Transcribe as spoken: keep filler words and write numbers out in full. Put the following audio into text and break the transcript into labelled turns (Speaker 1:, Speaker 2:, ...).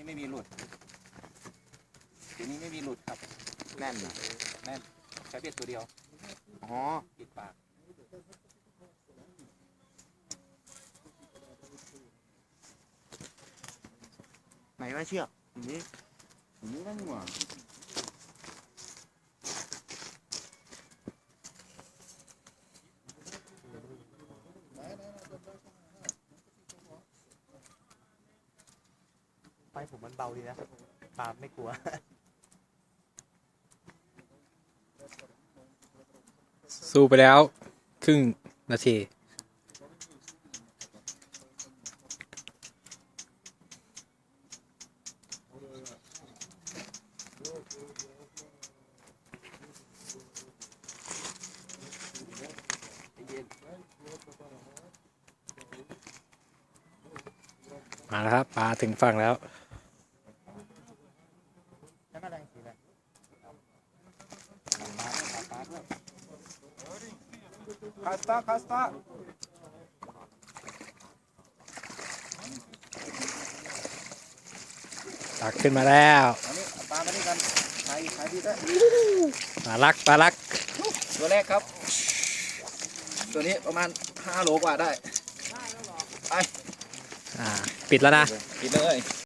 Speaker 1: นี้ไม่มีหลุดตัวนี้ไม่มีหลุดครับแน่นนะแน่นใช้เบ็ดตัวเดียวอ๋อปิดปากไหนว่าเชือกอย่างนี้อย่างนี้นั่นหว่า
Speaker 2: ไฟผมมันเบาดีนะปลาไม่กลัว
Speaker 3: สู้ไปแล้วครึ่งนาทีมาแล้วครับปลาถึงฝั่งแล้ว
Speaker 1: คาสตาคาสตา
Speaker 3: ตักขึ้นมาแล้ว
Speaker 1: อันนี้ปลามาด้วยกันขายขายดีด้วย
Speaker 3: ปลาลักปลาลัก
Speaker 1: ตัวแรกครับตัวนี้ประมาณห้าโลกว่าได้ไป
Speaker 3: อ่าปิดแล้วนะ
Speaker 1: ปิดเลย